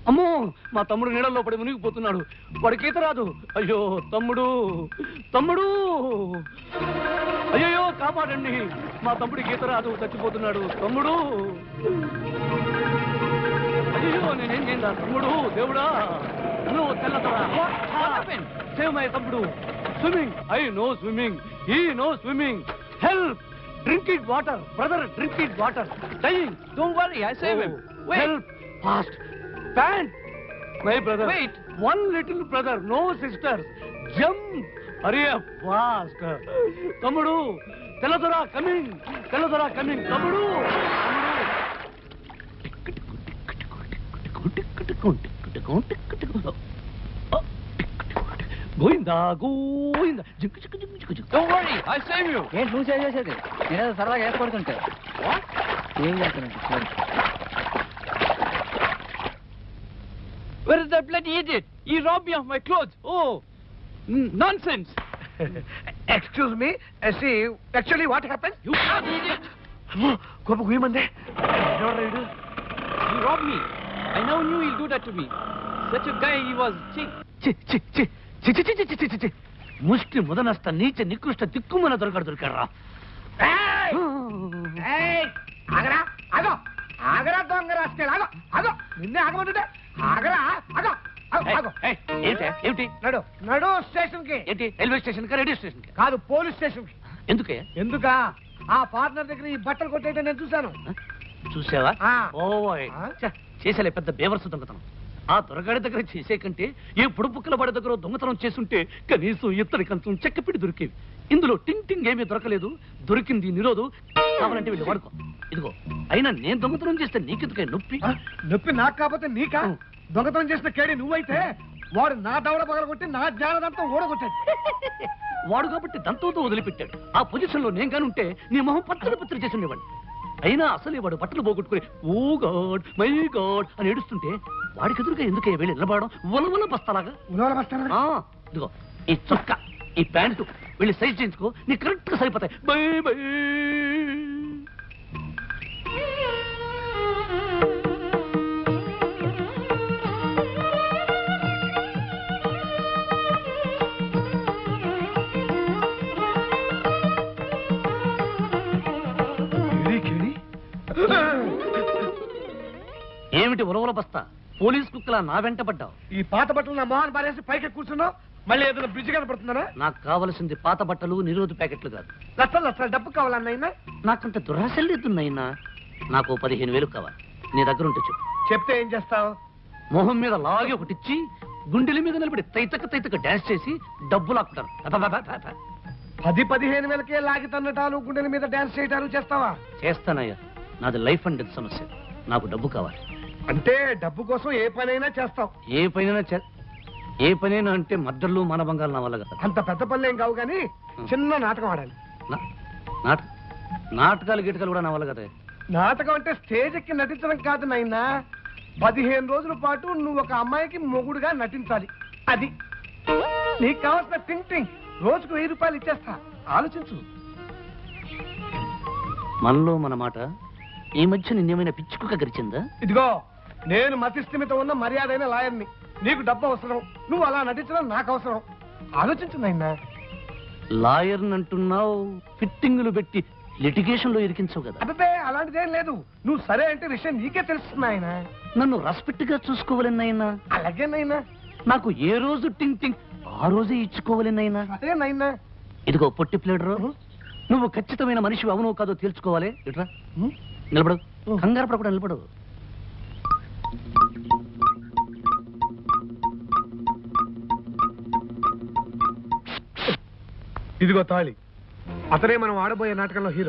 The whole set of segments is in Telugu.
అమ్మో మా తమ్ముడు నీళ్ళల్లో పడి మునిగిపోతున్నాడు. వాడికి ఈత రాదు. అయ్యో తమ్ముడు తమ్ముడు, అయ్యో కాపాడండి, మా తమ్ముడికి ఈత రాదు, చచ్చిపోతున్నాడు. తమ్ముడు, అయ్యో నేనేం చేయండి తమ్ముడు, దేవుడా నువ్వు తెల్లతరా. సేవ్ మై తమ్ముడు. Swimming, I no swimming, he no swimming. Help, drinking water brother, drinking water, dying. Don't worry, I save him. Wait. Help, fast. Pant, my brother. Wait. One little brother, no sisters. Jump, hurry up, fast. Tamudu, Teladora coming, Teladora coming. Tamudu, Goinda, Goinda. Don't worry, I save you. ఏంటి నువ్వు సేవ్ చేసేది? నేనేదో సరదాగా ఏర్పడుతుంటే ఏం చేస్తానంటే Where is that bloody idiot? He robbed me of my clothes. Oh, nonsense. Excuse me, see, actually what happened? You bloody idiot. Kopa guyamande. He robbed me. I never knew he'll do that to me. Such a guy he was. ముష్టి ముదనస్త నీచ నికృష్ట దిక్కుమన దొరకరా. ఆగరా ఆగో, ఆగరా దొంగ రాస్కెల్, ఆగో ఆగో, నిన్నే ఆగమంటుంటే ఆగరా ఆగో ఆగో. ఏమిటి నడు నడు స్టేషన్ కి. ఏంటి రైల్వే స్టేషన్ కా రేడియో స్టేషన్ కా? కాదు, పోలీస్ స్టేషన్ కి. ఎందుకే? ఎందుకా? ఆ పార్ట్నర్ దగ్గర ఈ బట్టలు కొట్టేట నేను చూశాను. చూసావా? ఆ. ఓయ్ చేసేలే పెద్ద బేవర్సు దొంగతనం. ఆ దొరగాడి దగ్గర చేసే కంటే ఏ పుడుపుక్కల వాడి దగ్గర దొంగతనం చేస్తుంటే కనీసం ఇత్తడి కంచం చెక్కపిడి దొరికేవి. ఇందులో టింగ్ టింగ్ ఏమీ దొరకలేదు. దొరికింది నిరోధు. కావాలంటే వీళ్ళు వాడుకో. ఇదిగో, అయినా నేను దొంగతనం చేస్తే నీకెందుకే నొప్పి? నొప్పి నాకు కాకపోతే నీకా? దొంగతనం చేసిన కేడి నువ్వైతే వాడు నా దవడ పగలగొట్టి నా జ్ఞానదంతా ఓడగొట్టాడు. వాడు కాబట్టి దంతంతో వదిలిపెట్టాడు. ఆ పొజిషన్ లో నేను కానుంటే నీ మొహం పచ్చడి పచ్చడి చేసి ఉండేవాడిని. అయినా అసలే వాడు బట్టలు పోగొట్టుకుని ఓ గాడ్ మై గాడ్ అని ఏడుస్తుంటే వాడికి ఎదురుగా ఎందుకే వెళ్ళి నిలబడడం ఉలవల బస్తాలాగా? ఇదిగో ఈ చొక్క, ఈ ప్యాంటు వెళ్ళి సైజ్ చేయించుకో, నీ కరెక్ట్ గా సరిపోతాయి. Bye bye. ఏమిటి ఉలవల బస్తా? పోలీస్ కుక్కలా నా వెంట పడ్డావు. ఈ పాత బట్టలు నా మొహాన్ని పారేసి పైకి కూర్చున్నావు. మళ్ళీ ఏదైనా బ్రిడ్జ్ కనపడుతున్నారా? నాకు కావలసింది పాత బట్టలు, నిరోధ ప్యాకెట్లు కాదు. లక్షలు లక్షలు డబ్బు కావాలన్నైనా? నాకంత దురాశలు లేదున్నాయినా. నాకు 15,000 కావాలి. నీ దగ్గర ఉంటే చెప్పు. చెప్తే ఏం చేస్తావు? మొహం మీద లాగి ఒకటిచ్చి గుండెల మీద నిలబడి తైతక తైతక డాన్స్ చేసి డబ్బు లాక్కుంటారు. 10-15 వేలకే లాగి తన్నటాలు, గుండెల మీద డాన్స్ చేయటాలు చేస్తావా? చేస్తానయ్యా. నాది లైఫ్ అండ్ డెత్ సమస్య. నాకు డబ్బు కావాలి. అంటే డబ్బు కోసం ఏ పనైనా చేస్తావు? ఏ పనైనా అంటే మద్దళ్ళు మానభంగాలు నా వల్ల కదా. అంత పెద్ద పనులు ఏం కావు కానీ చిన్న నాటకం ఆడాలి. నాటకాలు గిటకాలు కూడా నా వల్ల కదా. నాటకం అంటే స్టేజ్ ఎక్కి నటించడం కాదు నాయనా. 15 రోజుల పాటు నువ్వు ఒక అమ్మాయికి మొగుడుగా నటించాలి. అది నీకు కావాల్సిన థింక్ థింక్. రోజుకు 1000 రూపాయలు ఇచ్చేస్తా, ఆలోచించు. మనలో మన మాట ఈ మధ్య నిన్నేమైనా పిచ్చుకుక గరిచిందా? ఇదిగో, నేను మతిస్థిమిత ఉన్న మర్యాదైన లాయర్ని. నీకు డబ్బు అవసరం, నువ్వు అలా నటించడం నాకు అవసరం. ఆలోచించు నాయనా. లాయర్ అంటున్నావు, ఫిట్టింగులు పెట్టి లిటిగేషన్ లో ఇరికించవు కదా. అదే అలాంటిదేం లేదు. నువ్వు సరే అంటే విషయం నీకే తెలుస్తుంది ఆయన. నన్ను రెస్పెక్ట్ గా చూసుకోవాలన్నైనా. అలాగే నైనా. నాకు ఏ రోజు టింగ్ టింగ్ ఆ రోజే ఇచ్చుకోవాలన్నైనా. అదే నైనా. ఇదిగో పొట్టి ప్లేడరు, నువ్వు ఖచ్చితమైన మనిషి అవునో కాదో తెలుసుకోవాలి. ఇట్రా నిలబడు, కంగారు పడకుండా నిలబడు. ఇదిగో తాళి. అతనే మనం ఆడబోయే నాటకంలో హీరో.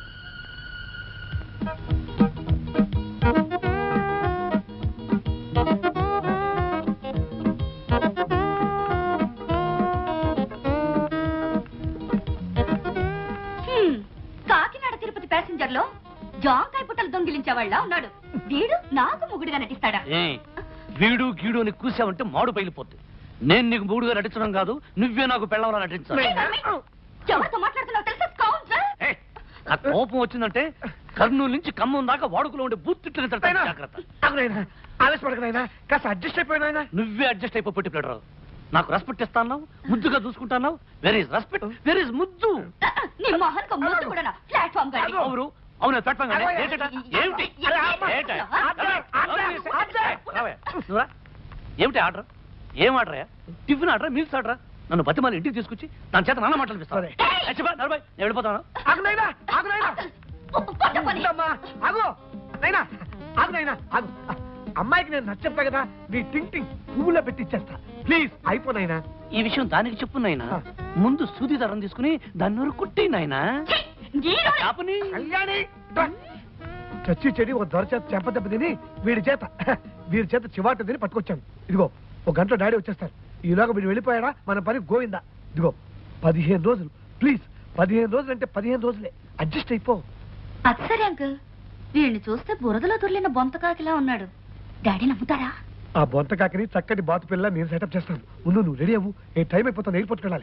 కాకినాడ తిరుపతి ప్యాసింజర్ లో జాంకాయ పుట్టలు దొంగిలించేవాళ్ళ ఉన్నాడు. వీడు నాకు మొగుడుగా నటిస్తాడా? వీడు గీడు అని కూసావంటే మాడు పగిలిపోద్ది. నేను నీకు మూడుగా నటించడం కాదు, నువ్వే నాకు పెళ్ళవలా నటించాలి. ఎవరితో మాట్లాడుతున్నావు తెలుసా? ఆ కోపం వచ్చిందంటే కర్నూలు నుంచి ఖమ్మం దాకా వాడుకలో ఉండే బూత్ తిట్లని నాయనా, జాగ్రత్త. ఆగు నాయనా, ఆవేశపడకు నాయనా, కాస్త అడ్జస్ట్ అయిపోయినా. నువ్వే అడ్జస్ట్ అయిపో పొట్టి ప్లేడరు. నాకు రెస్పెక్ట్ ఇస్తాను, ముద్దుగా చూసుకుంటాను. Where is respect, where is ముద్దు. నీ మొహన్కు ముద్దు కూడా ప్లాట్ఫామ్ గాడి అవును అవును ప్లాట్ఫామ్ గానే. ఏంటట? ఏమిటి ఏంట? రావయ్య, నువ్వురా. ఏమిటి ఆర్డర్? ఏం order? Tiffin order, meals order? నన్ను బతిమాలి ఇంటికి తీసుకొచ్చి దాని చేత నాన్న మాట్లాడిపిస్తాను. సరే. నేను వెళ్ళిపోతాను. ఆగు నాయనా, ఆగు నాయనా. అమ్మా, ఆగు నాయనా, ఆగు నాయనా, ఆగు. అమ్మాయికి నేను నచ్చప్పా కదా, నీ టింగ్ పువ్వులో పెట్టి ఇచ్చేస్తా. ప్లీజ్ అయిపోయినా. ఈ విషయం దానికి చెప్పు నాయనా. ముందు సూది దారం తీసుకుని దాన్ని నూరు కుట్టి నాయనా. ఆపని. కళ్యాణి రా. చచ్చి చెడి ఒక దొర చేత చెంపదెబ్బ తిని వీడి చేత చివాట తిని పట్టుకొచ్చాను. ఇదిగో ఒక గంటలో డాడీ వచ్చేస్తారు. ఈలోగా వీడు వెళ్ళిపోయాడా మన పని గోవిందా. ఇదిగో 15 రోజులు ప్లీజ్. 15 రోజులు అంటే 15 రోజులే. అడ్జస్ట్ అయిపో. అది సరే అంకుల్, వీడిని చూస్తే బురదలో దొర్లిన బొంతకాకిలా ఉన్నాడు. డాడీ నమ్ముతారా? ఆ బొంత కాకని చక్కటి బాతు పిల్ల నేను సెటప్ చేస్తాను. ముందు నువ్వు రెడీ అవ్వు. ఏ టైం అయిపోతాను, ఎయిర్పోర్ట్కి వెళ్ళాలి.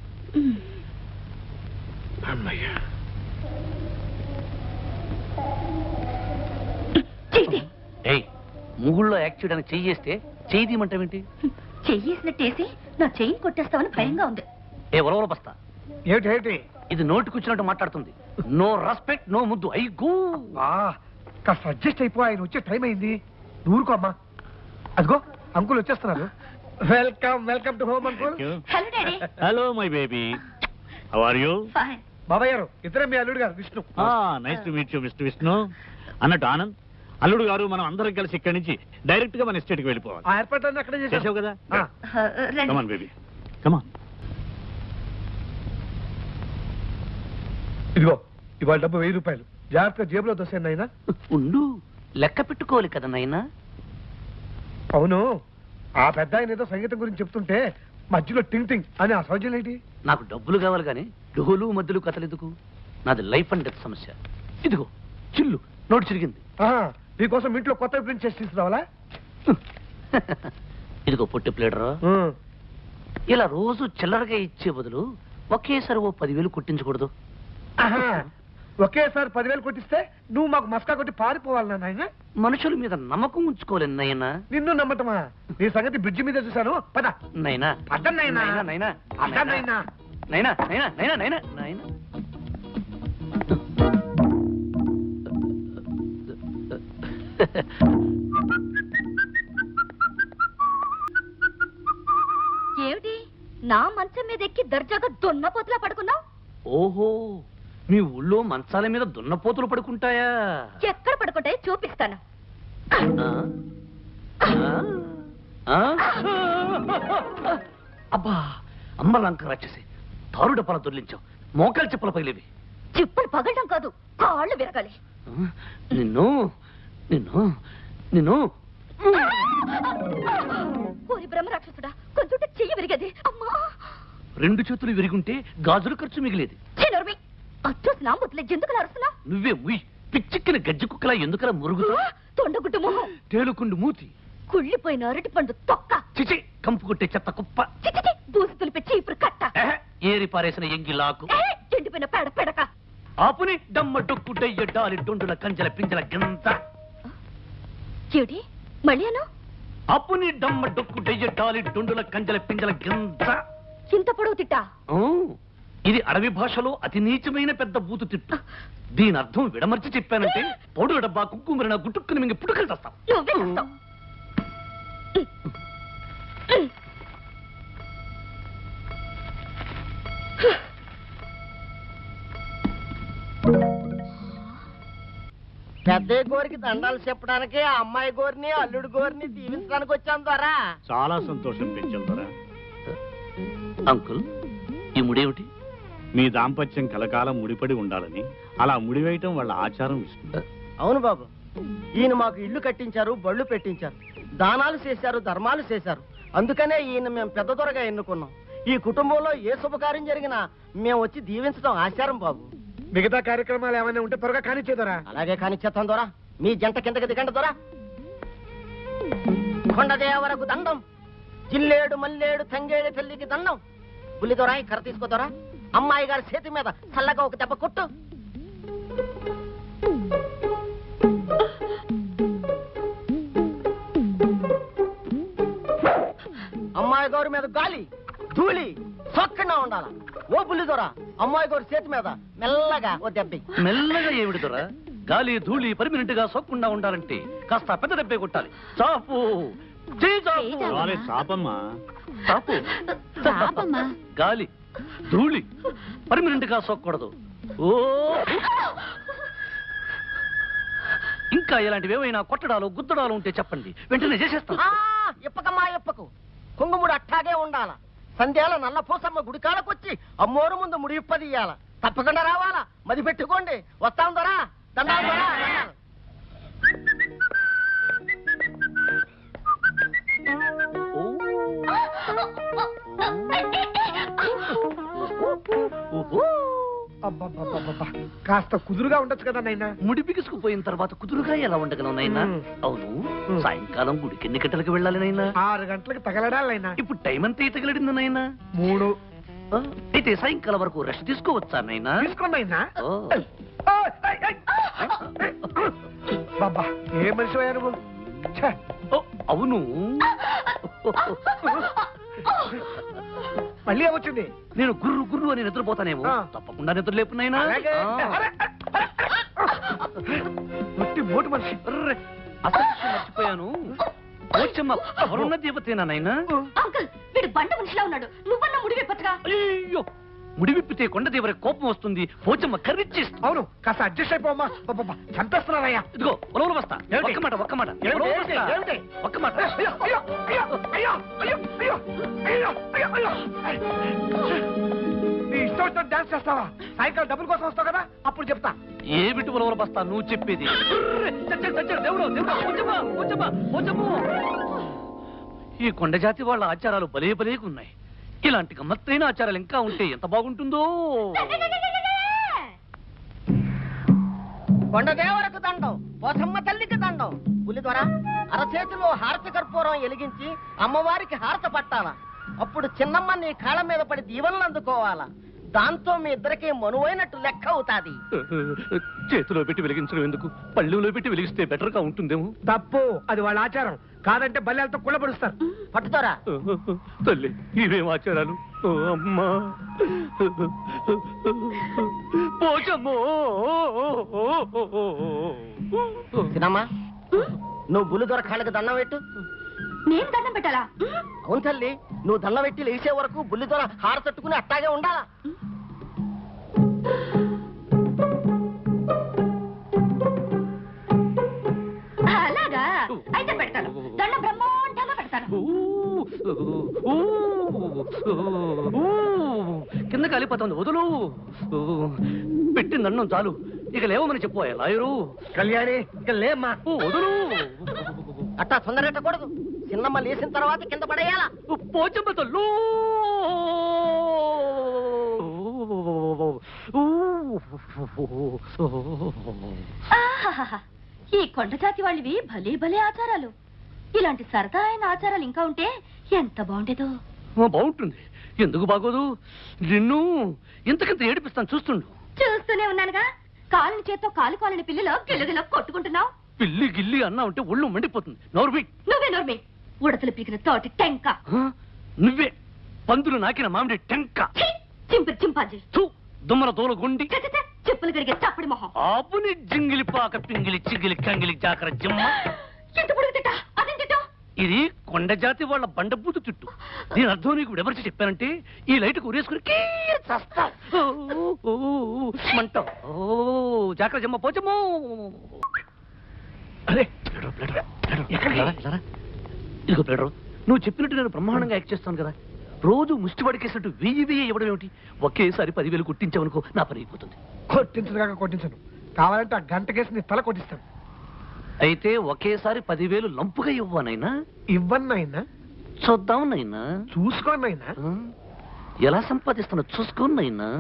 అమ్మయ్యా. ఏయ్, ముగుళ్ళో యాక్ట్ చేయడానికి చెయ్యి చేస్తే చెయ్యి తీయమంటావేంటి? చెయ్యేసినట్టేసి నా చెయ్యి కొట్టేస్తామని భయంగా ఉంది. ఏ ఉలవల బస్తా, ఏమిటి ఇది నోటికొచ్చినట్టు మాట్లాడుతుంది. నో రెస్పెక్ట్, నో ముద్దు. I go. కాస్త అడ్జస్ట్ అయిపో. ఆయన వచ్చే టైం అయింది. ఊరుకో అమ్మా. అదిగో అంకుల్ వచ్చేస్తున్నారు. Welcome welcome to home uncle. Hello daddy. Hello my baby, how are you? Fine. బాబాయ్ గారు, ఇద్దరే మీ అల్లుడు గారు Vishnu. Nice to meet you mister Vishnu. అన్నట్టు ఆనంద్, అల్లుడు గారు మనం అందరం కలిసి ఇక్కడి నుంచి డైరెక్ట్ గా మన ఎస్టేట్ కి వెళ్ళిపోవాలి. ఆ ఏర్పాట్లన్నీ అక్కడే చేసావు చేసావు కదా? రండి. Come on baby, come on. ఇదిగో ఇవాళ డబ్బు 1000 రూపాయలు. జాగ్రత్తగా జేబులో దోసాను నాయనా. ఉండు, లెక్క పెట్టుకోవాలి కదా నాయనా. అవును, ఆ పెద్ద ఆయన ఏదో సంగీతం గురించి చెప్తుంటే మధ్యలో టింగ్ అని ఆ సౌజన్యం ఏంటి? నాకు డబ్బులు కావాలి కానీ డోలు మధ్యలో కథలెందుకు? నాది లైఫ్ అండ్ డెత్ సమస్య. ఇదిగో చిల్లు, నోటు చిరిగింది. నీకోసం ఇంట్లో కొత్త ప్రింట్ చేసి తీసుకురావాలా? ఇదిగో పొట్టి ప్లేడరా, ఇలా రోజు చిల్లరగా ఇచ్చే బదులు ఒకేసారి ఓ 10,000 కొట్టించకూడదు? ఒకేసారి 10,000 కొట్టిస్తే నువ్వు మాకు మస్కా కొట్టి పారిపోవాలి నాయన. మనుషుల మీద నమ్మకం ఉంచుకోలేను నాయనా. నిన్ను నమ్మటమా? నీ సంగతి బ్రిడ్జి మీద చూశాను. పద నైనా పద నాయనా. నైనా పద నాయనా. నైనా నైనా నైనా నైనా నైనా. ఏమిటి నా మంచం మీద ఎక్కి దర్జాగా దున్నపోతులా పడుకున్నావు? ఓహో, మీ ఊళ్ళో మంచాల మీద దున్నపోతులు పడుకుంటాయా? ఎక్కడ పడుకుంటాయో చూపిస్తాను. అబ్బా, అమ్మలంక రాక్షసి, తారు డబ్బాల దొర్లించావు. మోకాలు చెప్పుల పగిలేవి. చెప్పులు పగలడం కాదు, కాళ్ళు విరగాలి. నిన్ను నిన్ను నిన్ను ఓరి బ్రహ్మ రాక్షసుడా, కొంచెం చెయ్యి విరిగేది. అమ్మా, 2 చేతులు విరిగుంటే గాజుల ఖర్చు మిగిలేది. చిన్నరుమి అచ్చోసి నా ముద్దులే ఎందుకు అరుస్తున్నా? నువ్వే ముయ్, పిచ్చిక్కిన గజ్జి కుక్కలా ఎందుకలా మురుగుతా? తొండగుడ్డు మొహం, తేలుకుండు మూతి, కుళ్ళిపోయిన అరటి పండు తొక్క, చిచి కంపు కొట్టే చెత్త కుప్ప, చిచి బూసి తులిపే చీపురు కట్ట, ఏరి పారేసిన ఎంగిలాకు, ఎండిపోయిన పేడ పెడక, ఆపుని డమ్మ డొక్కు డయ్య డాలి డొండుల కంజల పింజల గింత. ఏడి మళ్ళీ అను? అప్పుని డమ్మ డొక్కు డయ్య డాలి డొండుల కంజల పింజల గింత. ఇంత పొడవు తిట్టా? ఇది అడవి భాషలో అతి నీచమైన పెద్ద బూతు తిట్టు. దీని అర్థం విడమర్చి చెప్పానంటే పౌడు డబ్బా కుక్కుమరిన గుట్టుక్కుని మింగి పుట్టుకలు తెస్తాం. నువ్వే చేస్తావు. పెద్ద గోరికి దండాలు చెప్పడానికి ఆ అమ్మాయి గోరిని అల్లుడు గోరిని దీవించడానికి వచ్చాం ద్వారా. చాలా సంతోషం పెంచాం ద్వారా. అంకుల్, ఈ ముడేమిటి? మీ దాంపత్యం కలకాలం ముడిపడి ఉండాలని అలా ముడివేయటం వాళ్ళ ఆచారం. విష్ణు, అవును బాబు, ఈయన మాకు ఇల్లు కట్టించారు, బళ్ళు పెట్టించారు, దానాలు చేశారు, ధర్మాలు చేశారు. అందుకనే ఈయన మేము పెద్ద దొరగా ఎన్నుకున్నాం. ఈ కుటుంబంలో ఏ శుభకార్యం జరిగినా మేము వచ్చి దీవించడం ఆచారం బాబు. మిగతా కార్యక్రమాలు ఏమైనా ఉంటే త్వరగా కానిచ్చేదరా. అలాగే కానిచ్చేస్తాం దొరా. మీ జంట కిందకి దిగండి దొరా. కొండదేవరకు దండం, జిల్లేడు మల్లేడు తంగేడు తల్లికి దండం. పులి దొరా, కర్ర తీసుకోదొరా. అమ్మాయి గారి చేతి మీద చల్లగా ఒక దెబ్బ కొట్టు. అమ్మాయి గారి మీద గాలి ధూళి సొక్కగా ఉండాల. ఓ బుల్లిదొర, అమ్మాయి గారి చేతి మీద మెల్లగా ఓ దెబ్బ. మెల్లగా ఏమిటి దొరా? గాలి ధూళి పర్మినెంట్ గా సోకకుండా ఉండాలంటే కాస్త పెద్ద దెబ్బే కొట్టాలి. చాపు చాపమ్మా. చాపు. చాపమ్మా. గాలి ధూళి పర్మినెంట్ గా సోకూడదు. ఓ ఇంకా ఇలాంటివి ఏమైనా కొట్టడాలు గుద్దడాలు ఉంటే చెప్పండి, వెంటనే చేసేస్తాను. ఇప్పకమ్మా ఇప్పకు. కుంగుముడు అట్టాగే ఉండాల. సంధ్యాల నల్ల పూసమ్మ గుడికాడకొచ్చి అమ్మోరు ముందు ముడి ఇప్పదీయాల. తప్పకుండా రావాలా, మది పెట్టుకోండి. వస్తాం దొరా, దండాలు దొరా. అబ్బబ్బబ్బబ్బబ్బా, కాస్త కుదురుగా ఉండొచ్చు కదా నాయనా. ముడి బిగుసుకుపోయిన తర్వాత కుదురుగా ఎలా ఉండగలను నైనా? అవును, సాయంకాలం గుడికి ఎన్ని గంటలకు వెళ్ళాలి నైనా? 6 గంటలకు తగలడాలైనా. ఇప్పుడు టైం అంతా తగిలడింది నైనా? 3. అయితే సాయంకాలం వరకు రెస్ట్ తీసుకోవచ్చా నైనా? తీసుకోండినా. ఓ. బాబా, ఏ మనిషి అయ్యా నువ్వు? ఛే. ఓ, అవును, మళ్ళీ ఏమొచ్చింది? నేను గుర్రు గుర్రు అని నిద్రపోతానేమో. తప్పకుండా నిద్ర లేపునైనా. అలాగే. ఒట్టి మోటు మనిషి. అసలు విషయం మర్చిపోయాను. పోచమ్మ ఎవరున్న దేవతేనా నైనా? అంకుల్, వీడు బండ మనిషిలా ఉన్నాడు. నువ్వన్నా ముడి విప్పచ్చుగా. అయ్యో, ముడి విప్పితే కొండదేవర కోపం వస్తుంది. పోచమ్మ కర్రిచ్చేస్తుంది. అవును, కాస్త అడ్జస్ట్ అయిపోమ్మా. చంపేస్తున్నారయ్యా. ఇదిగో ఉలవలు బస్తా. ఒక్క మాట ఒక్క మాట. ఉలవలు బస్తా. ఒక్క మాట. అయ్యో అయ్యో అయ్యో అయ్యో అయ్యో అయ్యో అయ్యో అయ్యో అయ్యో. నీ ఇష్టం వచ్చినట్టు డాన్స్ చేస్తావా? సాయంకాలం డబ్బుల కోసం వస్తావు కదా, అప్పుడు చెప్తా. ఏమిటి ఉలవలు బస్తా నువ్వు చెప్పేది? చచ్చాడు చచ్చాడు దేవుడు దేవుడు. పోచమ్మ పోచమ్మ పోచమ్మ. ఈ కొండ జాతి వాళ్ళ ఆచారాలు భలే భలేగా ఉన్నాయి. ఇలాంటి గమ్మత్తైన ఆచారాలు ఇంకా ఉంటే ఎంత బాగుంటుందో. కొండదేవరకు దండం, పోసమ్మ తల్లికి దండం. పులిదొర, అరచేతిలో హారతి కర్పూరం ఎలిగించి అమ్మవారికి హారత పట్టాలా. అప్పుడు చిన్నమ్మ నీ కాళ్ళ మీద పడి దీవెనలు అందుకోవాలా. దాంతో మీ ఇద్దరికి మనువైనట్టు లెక్క అవుతాది. చేతిలో పెట్టి వెలిగించడం ఎందుకు? పళ్ళులో పెట్టి వెలిగిస్తే బెటర్ గా ఉంటుందేమో. తప్పు, అది వాళ్ళ ఆచారం. కాదంటే బల్లెలతో కుళ్ళబడుస్తారు. పట్టుదోరా. తల్లి, ఇవేం ఆచారాలు? ఓ అమ్మా, పోచమ్మో. చిన్నమ్మ, నువ్వు బుల్లిదొర కాళ్ళకి దండం పెట్టు. నేను దండం పెట్టాలా? అవును తల్లి, నువ్వు దండం పెట్టి లేచే వరకు బుల్లిదొర హార తట్టుకుని అట్టాగే ఉండాలా. అలాగా? అయితే పెడతాను. దండం బ్రహ్మాండంగా పెడతాను. కింద కాలిపోతుంది, వదులు. పెట్టిన దండం చాలు, ఇక లేవమని చెప్పు లాయరు. కళ్యాణి, ఇక లేమ్మా. వదులు. అట్టా తొందరెట్టకూడదు. చిన్నమ్మ లేచిన తర్వాత కింద పడేయాలా. పోచమ్మ తల్లు. ఆహాహాహా. ఈ కొండ జాతి వాళ్ళవి భలే భలే ఆచారాలు. ఇలాంటి సరదా అయిన ఆచారాలు ఇంకా ఉంటే ఎంత బాగుండేదో. బాగుంటుంది, ఎందుకు బాగోదు? నిన్ను ఇంతకింత ఏడిపిస్తాను, చూస్తుండు. చూస్తూనే ఉన్నానుగా. కాలిని చేత్తో కాలుకోవాలని పిల్లిలో గిల్లుగిలో కొట్టుకుంటున్నావు. పిల్లి గిల్లి అన్నా ఉంటే ఒళ్ళు మండిపోతుంది. నోర్మి. నువ్వే ఉడతలు పీకిన తోటి టెంక. నువ్వే పందులు నాకిన మామిడి టెంక. చింపిరి చింపాజీ. దుమ్మల దోల గుండి. చెప్పులు గడిగే చప్పడి మొహం. ఆపుని జింగిలి పాక పింగిలి చిగిలి కంగిలి జాకర జిమ్మ. ఎంత పొడుగు తిట్టా? అదేం తిట్టా? ఇది కొండ జాతి వాళ్ళ బండబూతు చుట్టూ. దీని అర్థం నీకు ఎవరికి చెప్పానంటే ఈ లైట్ ఉరేసుకుని మంటావు. జాకర జిమ్మ పోచమ్మో. అరే ఇదిగో ప్లేడరు, నువ్వు చెప్పినట్టు నేను బ్రహ్మాండంగా యాక్ట్ చేస్తాను కదా. రోజు ముష్టి పడికేసినట్టు 1000 ఇవ్వడం ఏమిటి? ఒకేసారి 10,000 కొట్టించావనుకో, నా పని అయిపోతుంది. కొట్టించదు కొట్టించను. కావాలంటే ఆ గంట కేసు నీ తల కొట్టిస్తాను. అయితే ఒకేసారి 10,000 లంపుగా ఇవ్వనైనా? ఇవ్వన్నైనా. చూద్దాం నైనా. చూసుకోనైనా. ఎలా సంపాదిస్తున్నా చూసుకోనైనా.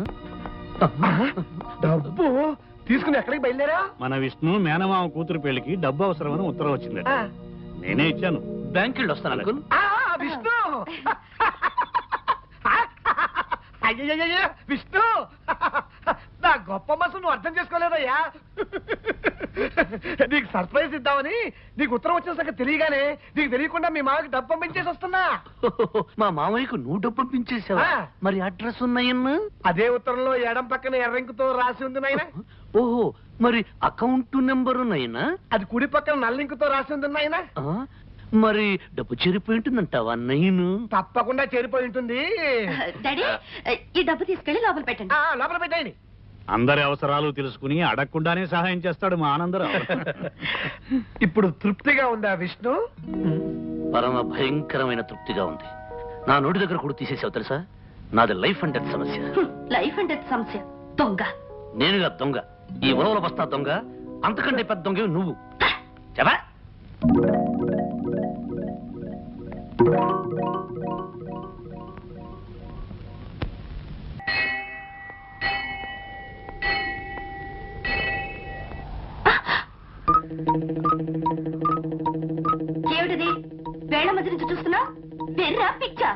డబ్బు తీసుకుని ఎక్కడికి బయలుదేరా? మన విష్ణు మేనమామ కూతురు పెళ్లికి డబ్బు అవసరమని ఉత్తరం వచ్చింది. నేనే ఇచ్చాను. బ్యాంక్ వెళ్ళి వస్తాను అంకుల్. విష్ణు, అయ్యయ్యో విష్ణు, నా గొప్ప మనసు నువ్వు అర్థం చేసుకోలేదయ్యా. నీకు సర్ప్రైజ్ ఇద్దామని నీకు ఉత్తరం వచ్చిన సంగతి తెలియగానే నీకు తెలియకుండా మీ మామకి డబ్బు పంపించేసి వస్తున్నా. మా మామయ్యకు నువ్వు డబ్బు పంపించేసావా? ఆ. మరి అడ్రస్ ఉన్నాయన్నా? అదే ఉత్తరంలో ఎడం పక్కన ఎర్రంకుతో రాసి ఉంది నాయన. ఓహో, మరి అకౌంట్ నెంబరు నైనా? అది కుడి పక్కన నల్లింకుతో రాసి ఉంది నాయన. మరి డబ్బు చెరిపోయి ఉంటుందంటావా నైను? తప్పకుండా చేరిపోయి ఉంటుంది. డాడీ ఈ డబ్బు తీసుకెళ్లి లోపల పెట్టండి. లోపల పెట్టాయని. అందరి అవసరాలు తెలుసుకుని అడగకుండానే సహాయం చేస్తాడు మా ఆనందరావు. ఇప్పుడు తృప్తిగా ఉందా విష్ణు? పరమ భయంకరమైన తృప్తిగా ఉంది. నా నోటి దగ్గర కూడా తీసేసావు తెలుసా? నాది లైఫ్ అండ్ డెత్ సమస్య. లైఫ్ అండ్ డెత్ సమస్య. దొంగ నేనుగా దొంగ, ఈ ఉలవల బస్తా దొంగ, అంతకంటే పెద్ద దొంగ నువ్వు. చెప్పా ఏమిటిది? వేళ మధ్య నుంచి చూస్తున్నా వెర్రా పిచ్చా?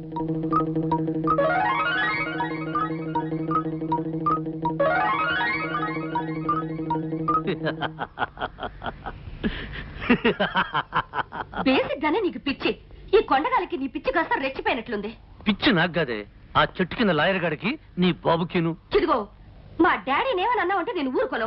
బేసిక్ గానే నీకు పిచ్చి. ఈ కొండగాలికి నీ పిచ్చి కాస్త రెచ్చిపోయినట్లుంది. పిచ్చి నాకు కాదే, ఆ చెట్టు కింద లాయర్ గాడికి నీ బాబుకిను. చిదిగో మా డాడీని ఏమని అన్నావు అంటే నేను ఊరుకోను.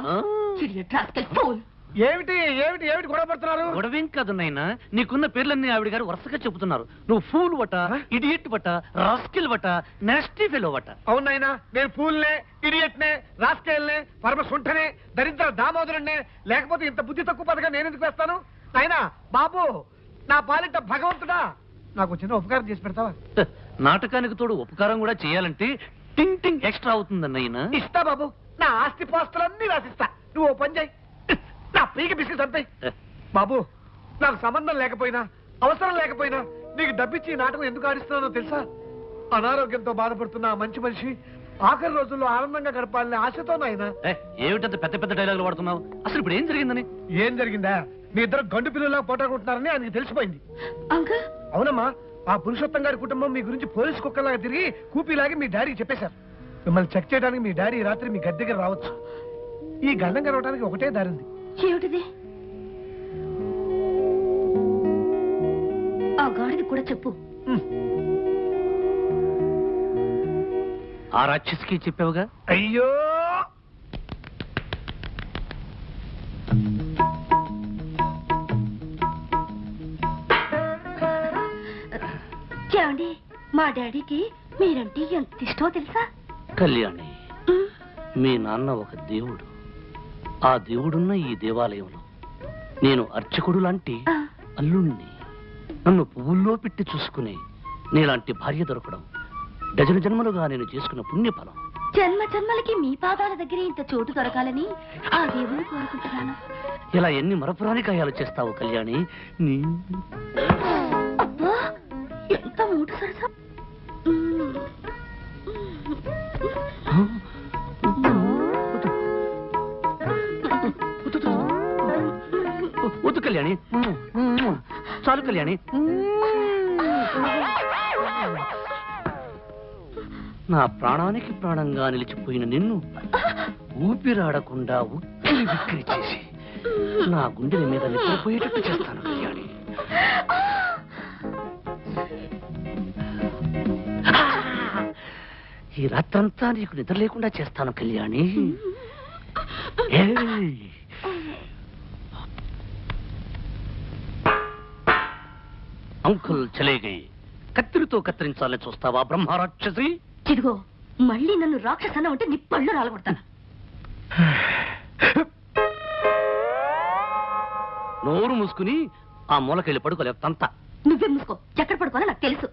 ఏమిటి ఏమిటి ఏమిటి గొడవ పడుతున్నారు? గొడవేం కాదు నాయనా, నీకున్న పేర్లన్నీ ఆవిడ గారు వరుసగా చెబుతున్నారు. నువ్వు ఫూల్ వట, ఇడియట్ వట, రాస్కిల్ వట, నెస్టీ ఫెలో వట. అవునైనా నేను ఫూల్నే, ఇడియట్నే, రాస్కేల్నే, పరమ సుంఠనే, దరిద్ర దామోదరుణ్ణే. లేకపోతే ఇంత బుద్ధి తక్కువ పదగా నేను ఎందుకు వేస్తాను? నాయనా బాబు, నా పాలిట భగవంతుడా, నాకు చిన్న ఉపకారం చేసి పెడతావా? నాటకానికి తోడు ఉపకారం కూడా చేయాలంటే టింగ్ టింగ్ ఎక్స్ట్రా అవుతుందన్నయ్యనా. ఇస్తా బాబు, నా ఆస్తి పాస్తులన్నీ రాసిస్తా. నువ్వు ఓ పని చేయి, నా పీకి బిస్కెట్ అంతాయి. బాబు, నాకు సంబంధం లేకపోయినా అవసరం లేకపోయినా నీకు డబ్బిచ్చి ఈ నాటకం ఎందుకు ఆడిస్తున్నానో తెలుసా? అనారోగ్యంతో బాధపడుతున్న ఆ మంచి మనిషి ఆఖరి రోజుల్లో ఆనందంగా గడపాలని ఆశతో నాయన. ఏమిటంత పెద్ద పెద్ద డైలాగులు వాడుతున్నావు? అసలు ఇప్పుడు ఏం జరిగిందని? ఏం జరిగిందా? మీ ఇద్దరు గండు పిల్లలా పోటాడుకుంటున్నారని ఆయనకి తెలిసిపోయింది. అంకుల్ అవునమ్మా, ఆ పురుషోత్తం గారి కుటుంబం మీ గురించి పోలీసు కుక్కలాగా తిరిగి కూపీలాగి మీ డాడీకి చెప్పేశారు. మిమ్మల్ని చెక్ చేయడానికి మీ డాడీ ఈ రాత్రి మీ గది దగ్గర రావచ్చు. ఈ గండం గడవడానికి ఒకటే దారి ఉంది. ఏమిటిది? ఆ గాడిది కూడా చెప్పు. ఆ రాక్షసికి చెప్పావుగా? అయ్యో, ఏమండి, మా డాడీకి మీరంటే ఎంత ఇష్టమో తెలుసా? కళ్యాణి, మీ నాన్న ఒక దేవుడు. ఆ దేవుడున్న ఈ దేవాలయంలో నేను అర్చకుడు లాంటి అల్లుణ్ణి. నన్ను పువ్వుల్లో పెట్టి చూసుకుని నీలాంటి భార్య దొరకడం డజన జన్మలుగా నేను చేసుకున్న పుణ్యఫలం. జన్మ జన్మలకి మీ పాదాల దగ్గర ఇంత చోటు దొరకాలని ఆ దేవుని కోరుకుంటున్నాను. ఇలా ఎన్ని మరపురాని కాయాలు చేస్తావు కళ్యాణి? నీ అబ్బా, ఎంత మూట సరసా. వద్దు కళ్యాణి, చాలు కళ్యాణి. నా ప్రాణానికి ప్రాణంగా నిలిచిపోయిన నిన్ను ఊపిరాడకుండా ఉక్కిరి బిక్కిరి చేసి నా గుండెల మీద నిద్రపోయేటట్టు చేస్తాను కళ్యాణి. ఈ రాత్రంతా నీకు నిద్ర లేకుండా చేస్తాను కళ్యాణి. అంకుల్ చలే గయి. కత్తిరితో కత్తిరించాలని చూస్తావా బ్రహ్మ రాక్షసి? ఇదిగో, మళ్ళీ నన్ను రాక్షసన ఉంటే నీ పళ్ళు రాలగొడతాను. నోరు మూసుకుని ఆ మూలకెళ్ళి పడుకోలేవు తంత. నువ్వే మూసుకో, ఎక్కడ పడుకోవాలో నాకు తెలుసు.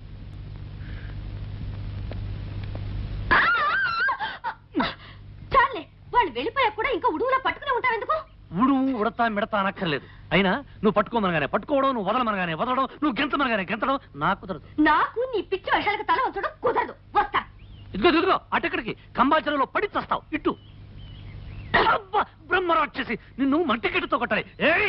చాలే, వాళ్ళు వెళ్ళిపోయా కూడా ఇంకా ఉడుగులా పట్టుకుని ఉంటావెందుకు? ఉడతా మిడతా అనక్కర్లేదు. అయినా నువ్వు పట్టుకోమనగానే పట్టుకోవడం, నువ్వు వదలమనగానే వదలడం, నువ్వు గెంతమనగానే గెంతడం నాకు కుదరదు. నాకు నీ పిచ్చి వేషాలకు తల వంచడం కుదరదు. వస్తా. ఇదిగో అటెక్కడికి? కంబాచరలో పడి చస్తావు. ఇట్టు బ్రహ్మ రాక్షసి, నిన్ను మంటికెట్టుతో కొట్టాలి.